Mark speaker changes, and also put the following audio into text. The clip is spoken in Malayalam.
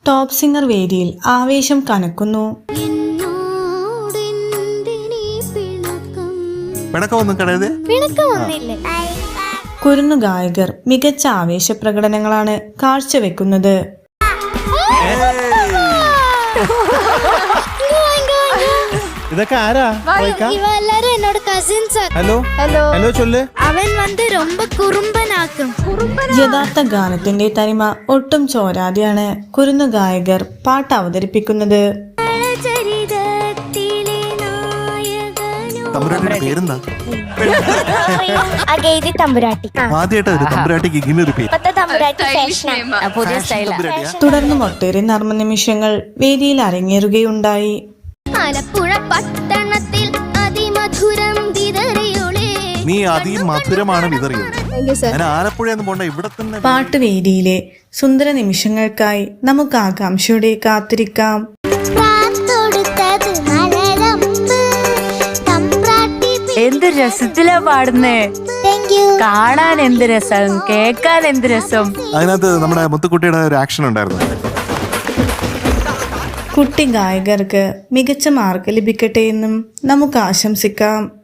Speaker 1: ടോപ്പ് സിംഗർ വേദിയിൽ ആവേശം കനക്കുന്നു. കുരുന്നു ഗായകർ മികച്ച ആവേശ പ്രകടനങ്ങളാണ് കാഴ്ചവെക്കുന്നത്.
Speaker 2: ഇതൊക്കെ ആരാ?
Speaker 3: എന്നോട് കസിൻസ്.
Speaker 2: ഹലോ ഹലോ ഹലോ ചൊല്ല്.
Speaker 3: അവൻ വന്ന് ரொம்ப കുറുമ്പനാക്കും.
Speaker 1: യഥാർത്ഥ ഗാനത്തിന്റെ തനിമ ഒട്ടും ചോരാതെയാണ് കുരുന്നു ഗായകർ പാട്ട് അവതരിപ്പിക്കുന്നത്.
Speaker 2: പേരെന്താ?
Speaker 1: തുടർന്നും ഒട്ടേറെ നർമ്മ നിമിഷങ്ങൾ വേദിയിൽ അരങ്ങേറുകയുണ്ടായി.
Speaker 3: ആലപ്പുഴ പട്ടണത്തിൽ അതിമധുരം
Speaker 2: നീ അതിമധുരമാണ് വിതറിയത്. ആലപ്പുഴ ഇവിടെ തന്നെ.
Speaker 1: പാട്ടുവേദിയിലെ സുന്ദര നിമിഷങ്ങൾക്കായി നമുക്ക് ആകാംക്ഷയോടെ കാത്തിരിക്കാം.
Speaker 4: എന്ത് രസത്തിലാ പാടുന്നേ! കാണാൻ എന്ത് രസം, കേൾക്കാൻ എന്ത് രസം.
Speaker 2: അതിനകത്ത് നമ്മുടെ മുത്തുക്കുട്ടിയുടെ ഒരു ആക്ഷൻ ഉണ്ടായിരുന്നു.
Speaker 1: കുട്ടി ഗായകർക്ക് മികച്ച മാർക്ക് ലഭിക്കട്ടെ എന്നും നമുക്ക് ആശംസിക്കാം.